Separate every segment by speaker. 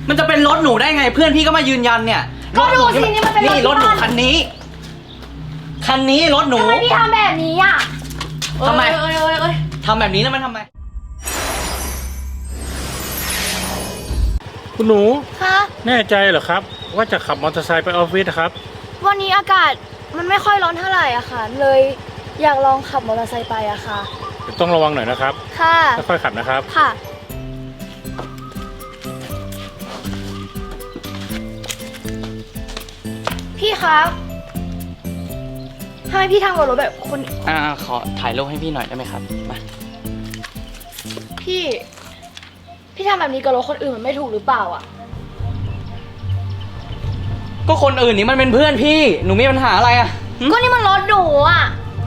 Speaker 1: มันจะเป็นรถหนูได้ไงเพื่อนพี่ก็มายืนยันเนี่ย
Speaker 2: ก็ดูสินี่มันเป็นรถ
Speaker 1: หนูคันนี้รถหนู
Speaker 2: ทำไมพี่ทำแบบนี้อ่ะ
Speaker 1: ทำไมทำแบบนี้แล้วมันทำไม
Speaker 3: คุณหนู
Speaker 2: คะ
Speaker 3: แน่ใจเหรอครับว่าจะขับมอเตอร์ไซค์ไปออฟฟิศครับ
Speaker 2: วันนี้อากาศมันไม่ค่อยร้อนเท่าไหร่อะค่ะเลยอยากลองขับมอเตอร์ไซค์ไปอะค่ะ
Speaker 3: ต้องระวังหน่อยนะครับ
Speaker 2: ค่ะ
Speaker 3: ค่อยๆขับนะครับ
Speaker 2: ค่ะพี่คะทำไมพี่ทำกับรถแบบคน
Speaker 1: ขอถ่ายรูปให้พี่หน่อยได้ไหมครับมา
Speaker 2: พี่ทำแบบนี้กับรถคนอื่นมันไม่ถูกหรือเปล่าอะ
Speaker 1: ก็คนอื่นนี่มันเป็นเพื่อนพี่หนูมีปัญหาอะไรอะ
Speaker 2: ก็นี่มันรถหนูอะ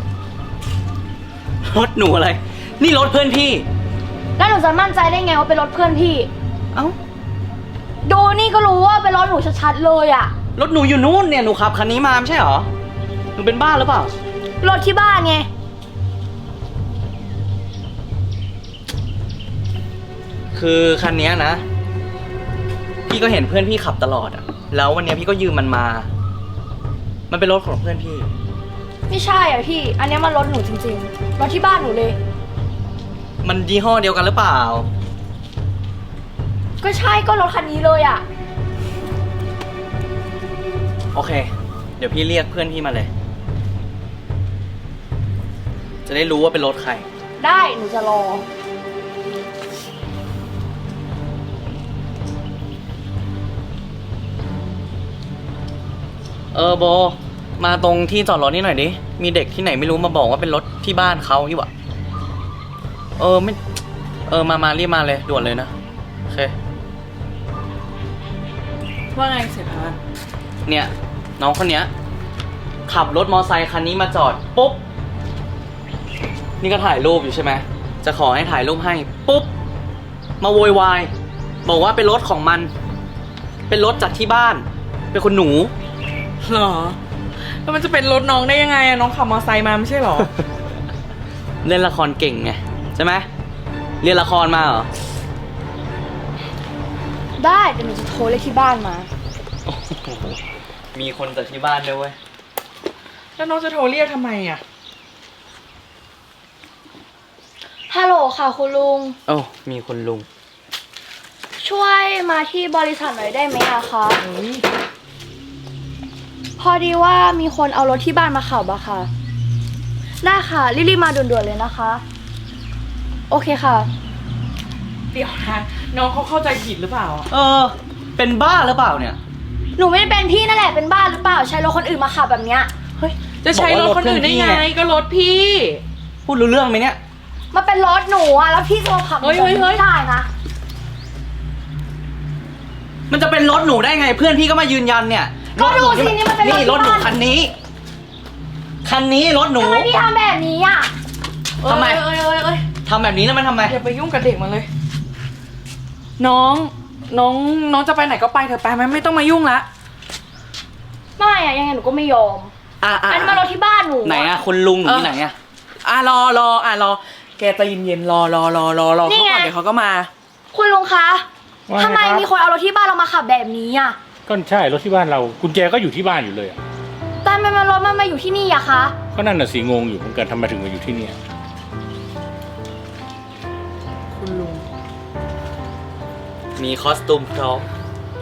Speaker 1: รถหนูอะไรนี่รถเพื่อนพี่
Speaker 2: แล้วหนูจะมั่นใจได้ไงว่าเป็นรถเพื่อนพี่
Speaker 1: เอ้า
Speaker 2: ดูนี่ก็รู้ว่าเป็นรถหนูชัดๆเลยอะ
Speaker 1: รถหนูอยู่นู่นเนี่ยหนูขับคันนี้มาไม่ใช่เหรอหนูเป็นบ้าหรือเปล่าร
Speaker 2: ถที่บ้านไง
Speaker 1: คือคันนี้นะพี่ก็เห็นเพื่อนพี่ขับตลอดอะแล้ววันนี้พี่ก็ยืมมันมามันเป็นรถของเพื่อนพี่
Speaker 2: ไม่ใช่อ่ะพี่อันนี้มันรถหนูจริงๆรถที่บ้านหนูเลย
Speaker 1: มันยี่ห้อเดียวกันหรือเปล่า
Speaker 2: ก็ใช่ก็รถคันนี้เลยอ่ะ
Speaker 1: โอเคเดี๋ยวพี่เรียกเพื่อนพี่มาเลยจะได้รู้ว่าเป็นรถใคร
Speaker 2: ได้หนูจะรอ
Speaker 1: โบมาตรงที่จอดรถนี่หน่อยดิมีเด็กที่ไหนไม่รู้มาบอกว่าเป็นรถที่บ้านเขาที่วะไม่มารีบมาเลยด่วนเลยนะโอเค
Speaker 4: ว่าไงเสร็จแล้ว
Speaker 1: เนี่ยน้องคนเนี้ยขับรถมอไซค์คันนี้มาจอดปุ๊บนี่ก็ถ่ายรูปอยู่ใช่ไหมจะขอให้ถ่ายรูปให้ปุ๊บมาโวยวายบอกว่าเป็นรถของมันเป็นรถจากที่บ้านเป็นคนหนู
Speaker 4: หรอแล้วมันจะเป็นรถน้องได้ยังไงอะน้องขับมอเตอร์ไซค์มาไม่ใช่หรอ
Speaker 1: เล่นละครเก่งไงใช่ไหมเรียนละครมาเหรอ
Speaker 2: ได้แต่หนูจะโทรเลขที่บ้านมา
Speaker 1: มีคนจากที่บ้านด้วยเว้ย
Speaker 4: แล้วน้องจะโทรเรียกทำไมอะ
Speaker 2: ฮัลโหลค่ะคุณลุง
Speaker 1: มีคุณลุง
Speaker 2: ช่วยมาที่บริษัทหน่อยได้ไหมอะคะพอดีว่ามีคนเอารถที่บ้านมาขับอะค่ะได้ค่ะรีบๆมาด่วนๆเลยนะคะโอเคค่ะ
Speaker 4: เดี๋ยวนะน้องเขาเข้าใจผิดหรือเปล่า
Speaker 1: เป็นบ้าหรือเปล่าเนี่ย
Speaker 2: หนูไม่ได้เป็นพี่นั่นแหละเป็นบ้าหรือเปล่าใช้รถคนอื่นมาขับแบบเนี้ย
Speaker 4: เฮ้ยจะใช้รถคนอื่นได้ไงก็รถพี่
Speaker 1: พูดรู้เรื่องไหมเนี่ย
Speaker 2: มาเป็นรถหนูอะแล้วพี่จะมาขับ
Speaker 4: เฮ้ย
Speaker 2: ไม่ได้นะ
Speaker 1: มันจะเป็นรถหนูได้ไงเพื่อนพี่ก็มายืนยันเนี่ย
Speaker 2: ก็ดูสินี่มันเป็น
Speaker 1: รถหนูคันนี้รถหนู
Speaker 2: ทำไมพี่ทำแบบนี้อ่ะ
Speaker 1: ทำไมทำแบบนี้แล้วมันทำไม
Speaker 4: อย่าไปยุ่งกับเด็กมันเลยน้องจะไปไหนก็ไปเถอะไปไหมไม่ต้องมายุ่งละ
Speaker 2: ไม่อะยังไงหนูก็ไม่ยอมอันนี้มารถที่บ้านหนู
Speaker 1: ไหนอะคุณลุงที่ไหนอะ
Speaker 4: รอแกจะเย็นๆรอเขาก่อนเดี๋ยวเขาก็มา
Speaker 2: คุณลุงคะทำไมมีคนเอารถที่บ้านเรามาขับแบบนี้อ่ะ
Speaker 3: ก็ใช่รถที่บ้านเรากุญแจก็อยู่ที่บ้านอยู่เลยอะ
Speaker 2: แต่ทำไมรถมันมาอยู่ที่นี่อะคะ
Speaker 3: ก็นั่นน่ะสิงงอยู่เหมือนกันทำไมถึงมาอยู่ที่นี่
Speaker 4: คุณลุง
Speaker 1: มีคอสตูมพร้อม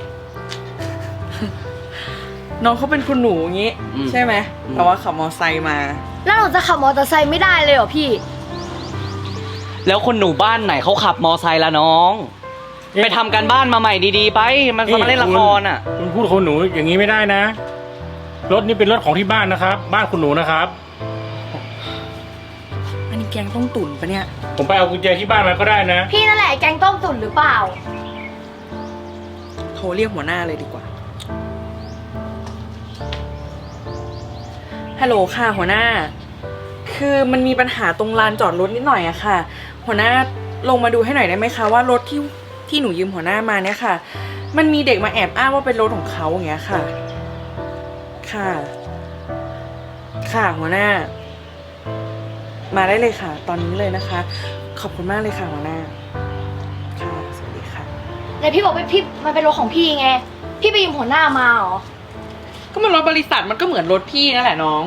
Speaker 4: น้องเขาเป็นคุณหนูอย่างงี้ใช่ไหมแต่ว่าขับมอไซค์มา
Speaker 2: แล้วหนูจะขับมอเตอร์ไซค์ไม่ได้เลยเหรอพี่
Speaker 1: แล้วคนหนูบ้านไหนเขาขับมอไซค์ละน้องไปทำการบ้านมาใหม่ดีๆไปมันมาเล่นละครอ่ะ
Speaker 3: คุณพูดคนหนูอย่างนี้ไม่ได้นะรถนี่เป็นรถของที่บ้านนะครับบ้านคุณหนูนะครับ
Speaker 4: อันนี้แกงต้มตุ๋นปะเนี่ย
Speaker 3: ผมไปเอากุญแจที่บ้านมาก็ได้นะ
Speaker 2: พี่นั่นแหละแกงต้มตุ๋นหรือเปล่า
Speaker 4: โทรเรียกหัวหน้าเลยดีกว่าฮัลโหลค่ะหัวหน้าคือมันมีปัญหาตรงลานจอดรถนิดหน่อยอะค่ะหัวหน้าลงมาดูให้หน่อยได้ไหมคะว่ารถที่หนูยืมหัวหน้ามาเนี่ยค่ะมันมีเด็กมาแอบอ้างว่าเป็นรถของเขาอย่างเงี้ยค่ะค่ะหัวหน้ามาได้เลยค่ะตอนนี้เลยนะคะขอบคุณมากเลยค่ะหัวหน้าค่ะสวัสดีค่ะ
Speaker 2: ในแต่พี่บอกว่าพี่มันเป็นรถของพี่ไง พี่ไปยืมหัวหน้ามาเหรอ
Speaker 4: ก็มันรถบริษัทมันก็เหมือนรถพี่นั่นแหละน้อง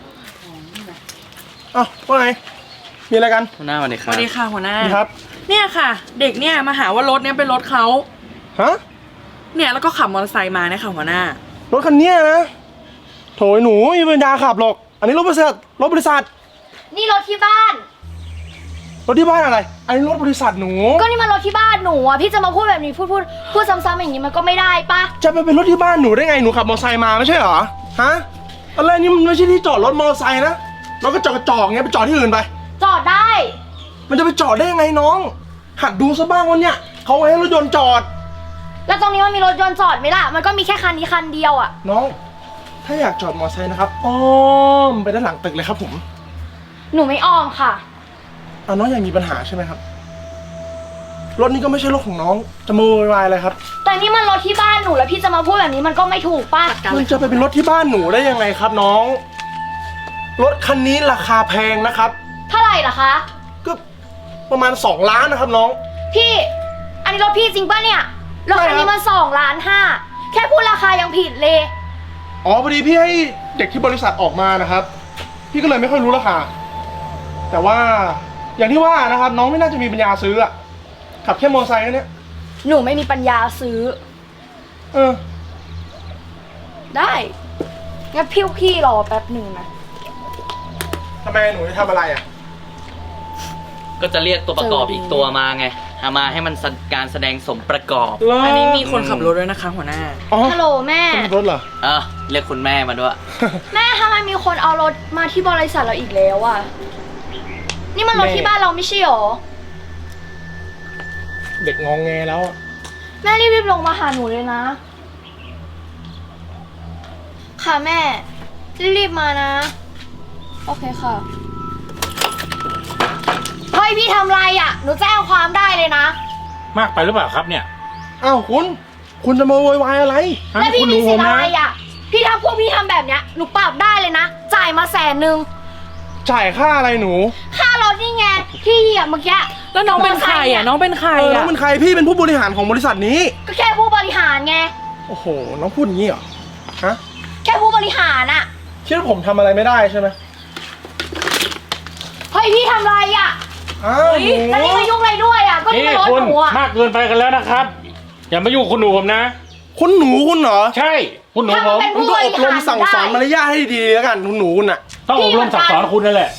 Speaker 5: อ้าวว่าไง มีอะไรกัน
Speaker 1: หัวหน้าสวัสดีค
Speaker 4: ส
Speaker 1: รับ
Speaker 4: วัสดีค่ะหัวหน้า
Speaker 5: นี่ครับ
Speaker 4: เนี่ยค่ะ เด็กเนี่ยมาหาว่ารถเนี่ยเป็นรถเขา
Speaker 5: ฮะ
Speaker 4: เนี่ยแล้วก็ขับมอเตอร์ไซค์มาเนี่ยค่ะหัวหน้า
Speaker 5: รถคันเนี้ยนะ โถยหนูไม่มีปัญญาขับหรอก อันนี้รถบริษัท
Speaker 2: นี่รถที่บ้าน
Speaker 5: รถที่บ้านอะไร อันนี้รถบริษัทหนู
Speaker 2: ก็นี่มันรถที่บ้านหนูอ่ะ พี่จะมาพูดแบบนี้พูดซ้ำๆอย่างนี้มันก็ไม่ได้ปะ
Speaker 5: จะไปเป็นรถที่บ้านหนูได้ไง หนูขับมอเตอร์ไซค์มาไม่ใช่เหรอ ฮะ อะไรนี่มันไม่ใช่ที่จอดรถมอเตอร์ไซค์นะ รถก็จอดกระจอกเงี้ยไปจอดที่อื่นไป
Speaker 2: จอดได้
Speaker 5: มันจะไปจอดได้ยังไงน้อง หัดดูซะบ้างวันเนี้ยเขาไว้ให้รถยนต์จอด
Speaker 2: แล้วตรงนี้มันมีรถยนต์จอดไหมล่ะ มันก็มีแค่คันนี้คันเดียวอ่ะ
Speaker 5: น้อง ถ้าอยากจอดมอเตอร์ไซค์นะครับ อ้อมไปด้านหลังตึกเลยครับผม
Speaker 2: หนูไม่อ้อมค่ะ
Speaker 5: น้องอยากมีปัญหาใช่ไหมครับ รถนี้ก็ไม่ใช่รถของน้อง จะมาโวยวายอะไรครับ
Speaker 2: แต่นี่มันรถที่บ้านหนูแล้วพี่จะมาพูดแบบนี้มันก็ไม่ถูกป่ะ
Speaker 5: มันจะไปเป็นรถที่บ้านหนูได้ยังไงครับน้อง รถคันนี้ราคาแพงนะครับ
Speaker 2: เท่าไหร่ล่ะคะ
Speaker 5: ก็ประมาณ2 ล้านนะครับน้อง
Speaker 2: พี่ อันนี้รถพี่จริงป่ะเนี่ย รถคันนี้มัน2.5 ล้านแค่พูดราคายังผิดเลย
Speaker 5: อ๋อพอดีพี่ให้เด็กที่บริษัทออกมานะครับ พี่ก็เลยไม่ค่อยรู้ราคา แต่ว่าอย่างที่ว่านะครับ น้องไม่น่าจะมีปัญญาซื้ออะขับแค่มอเตอร์ไซค์แค่เนี้ย
Speaker 2: หนูไม่มีปัญญาซื้อ
Speaker 5: เออ
Speaker 2: ได้งั้นพี่รอแป๊บหนึ่งนะ
Speaker 5: ทำไมหนูจะทำอะไรอะ
Speaker 1: ก็จะเรียกตัวประกอบอีกตัวมาไงเอามาให้มันการแสดงสมประกอบ
Speaker 4: อันนี้มีคนขับรถด้วยนะคะหัวหน้า
Speaker 5: อ๋อ
Speaker 2: ฮัลโหลแม่
Speaker 5: ขับรถเหรอ
Speaker 1: เรียกคุณแม่มาด้วย
Speaker 2: แม่ทำไมมีคนเอารถมาที่บริษัทเราอีกแล้วอ่ะ นี่มันรถที่บ้านเราไม่ใช่หรอ
Speaker 5: เด็กงองแงแล้วอะ
Speaker 2: แม่รีบๆลงมาหาหนูเลยนะ ค่ะแม่ รีบๆมานะ โอเคค่ะ เฮ้ยพี่ทำไรอ่ะ หนูแจ้งความได้เลยนะ
Speaker 3: มากไปหรือเปล่าครับเนี่ย
Speaker 5: อ้าวคุณจะมาโวยวายอะไร
Speaker 3: ฮะ
Speaker 2: แล้วพี่
Speaker 3: คุณ
Speaker 2: มี
Speaker 3: ดูผ
Speaker 2: สิท
Speaker 3: ม
Speaker 2: ธิ์อะ
Speaker 3: นะ
Speaker 2: ไรอ่ะ พี่ทำพวกพี่ทำแบบเนี้ย หนูปรับได้เลยนะ จ่ายมา100,000
Speaker 5: จ่ายค่าอะไรหนู
Speaker 2: ค่ารถนี่ไง พี่เหยียบเมื่อกี้
Speaker 4: แล้วน้องเป็นใครอ่ะน้องเป็นใคร
Speaker 5: น้อ
Speaker 4: อ่ะ
Speaker 5: งเป็นใครพี่เป็นผู้บริหารของบริษัทนี้
Speaker 2: ก็แค่ผู้บริหารไง
Speaker 5: โอ้โห น้องพูดอย่างนี้เหรอ ฮะ
Speaker 2: แค่ผู้บริหารอ่ะ
Speaker 5: คิดว่าผมทำอะไรไม่ได้ใช่ไหม
Speaker 2: เฮ้ยพี่ทำไรอ่ะ
Speaker 5: อ้าวหนู
Speaker 2: แล้วนี่มายุ่งอะไรด้วยอ่ะ ก็นี่
Speaker 3: นี่
Speaker 2: มันรถ
Speaker 3: คุณ
Speaker 2: หนูอ่ะ
Speaker 3: มากเกินไปกันแล้วนะครับ อย่ามายุ่งคุณหนูผมนะ
Speaker 5: คุณหนูคุณเหรอ
Speaker 3: ใช่คุณหนูผม
Speaker 5: คุณก็อบรมสั่งสอนมารยาทให้ดีๆแล้วกันคุณหนูคุณน่ะ
Speaker 3: ต้องอบรมสั่งสอนคุณนั่นแหละ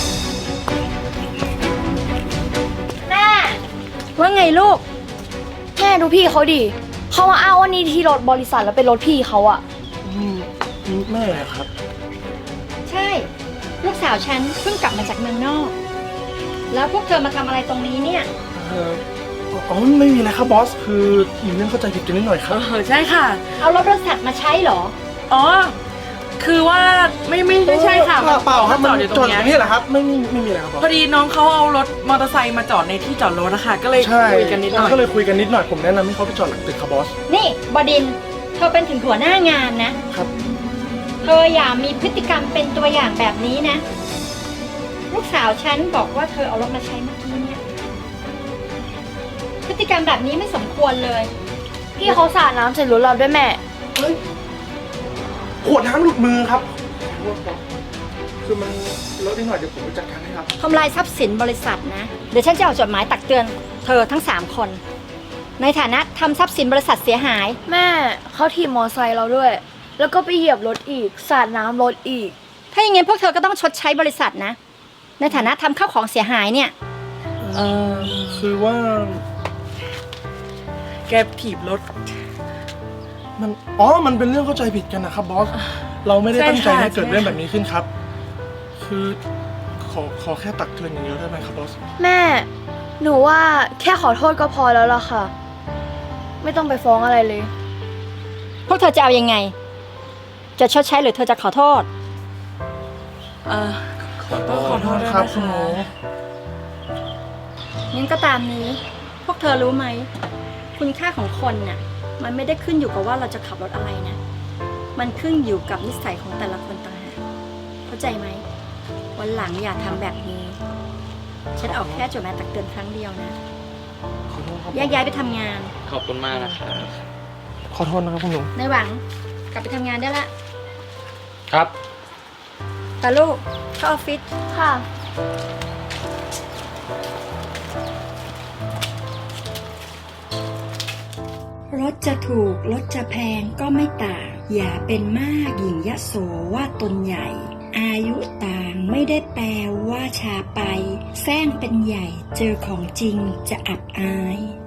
Speaker 2: แม่
Speaker 6: ว่าไงลูก
Speaker 2: แม่ดูพี่เขาดิเขามาอ้างว่านี่ที่รถบริษัทแล้วเป็นรถพี่เขาอ่ะ
Speaker 5: แม่ครับ
Speaker 6: ใช่ ลูกสาวฉันเพิ่งกลับมาจากเมืองนอก แล้วพวกเธอมาทำอะไรตรงนี้เนี่ย
Speaker 5: อ๋อไม่มีอะไรครับบอส คือมีเรื่องเข้าใจผิดกันนิดหน่อยครับ
Speaker 4: ใช่ค่ะ
Speaker 6: เอารถบริษัทมาใช้เหรอ
Speaker 4: อ๋อ คือว่าไม่ใช่ค่ะ
Speaker 5: เปล่าครับ
Speaker 4: จ
Speaker 5: มัน
Speaker 4: อดอยู่ต
Speaker 5: จ
Speaker 4: ร
Speaker 5: อด
Speaker 4: ง
Speaker 5: อ
Speaker 4: เนี้ย
Speaker 5: ย่างนี้แหละครับ ไม่มีอะไรครับบอส
Speaker 4: พอดีน้องเขาเอารถมอเตอร์ไซค์มาจอดในที่จอดรถนะคะก็เลย
Speaker 5: ใช่
Speaker 4: คุยกันนิดหน่อย
Speaker 5: ก็เลยคุยกันนิดหน่อยผมแนะนำให้เขาไปจอดหลังตึกครับบอส
Speaker 6: นี่บดินทร์เธอเป็นถึงหัวหน้างานนะ
Speaker 5: ครับ
Speaker 6: เธออย่ามีพฤติกรรมเป็นตัวอย่างแบบนี้นะ ลูกสาวฉันบอกว่าเธอเอารถมาใช้เมื่อกี้เนี่ย พฤติกรรมแบบนี้ไม่สมควรเลย
Speaker 2: พี่เขาสาดน้ำใส่รถเราด้วยแม่
Speaker 5: เฮ้ยขวดน้ำหลุดมือครับ คือมันเลอะนิดหน่อยเดี๋ยวผมไปจัดการให้ครับ
Speaker 6: ทำลายทรัพย์สินบริษัทนะ เดี๋ยวฉันจะเอาจดหมายตักเตือนเธอทั้ง 3 คน ในฐานะทำทรัพย์สินบริษัทเสียหาย
Speaker 2: แม่เขาถีบมอไซค์เราด้วย แล้วก็ไปเหยียบรถอีก สาดน้ำรถอีก
Speaker 6: ถ้าอย่างงั้นพวกเธอก็ต้องชดใช้บริษัทนะ ในฐานะทำข้าวของเสียหายเนี่ย
Speaker 5: คือว่า
Speaker 4: แกถีบรถ
Speaker 5: มันเป็นเรื่องเข้าใจผิดกันนะครับบอส เราไม่ได้ตั้งใจให้เกิดเรื่องแบบนี้ขึ้นครับ คือขอแค่ตักเตือนอย่างเดียวได้ไหมครับบอส
Speaker 2: แม่ หนูว่าแค่ขอโทษก็พอแล้วล่ะค่ะ ไม่ต้องไปฟ้องอะไรเลย
Speaker 6: พวกเธอจะเอายังไง จะชดใช้หรือเธอจะขอโทษ
Speaker 4: ต้องขอโทษด้วย
Speaker 5: ครับ
Speaker 4: นะ
Speaker 5: คุณหนู
Speaker 4: คะ
Speaker 6: งั้นก็ตามนี้ พวกเธอรู้ไหม คุณค่าของคนน่ะ มันไม่ได้ขึ้นอยู่กับว่าเราจะขับรถอะไรนะ มันขึ้นอยู่กับนิสัยของแต่ละคนต่างหาก เข้าใจไหม วันหลังอย่าทำแบบนี้ ฉันออกแค่จดหมายตักเตือนครั้งเดียวนะ
Speaker 5: ขอโทษครับ
Speaker 6: แยกย้ายไปทำงาน
Speaker 1: ขอบคุณมากนะครับ
Speaker 5: ขอโทษนะครับคุณหนู
Speaker 6: ในหวังกลับไปทำงานได้ละ
Speaker 3: ครับ
Speaker 6: ตาลูกเข้าออฟฟิศ
Speaker 2: ค่ะ
Speaker 7: รถจะถูกรถจะแพงก็ไม่ต่าง อย่าเป็นมากหญิงยโสว่าตนใหญ่ อายุต่างไม่ได้แปลว่าช้าไปแซงเป็นใหญ่เจอของจริงจะอับอาย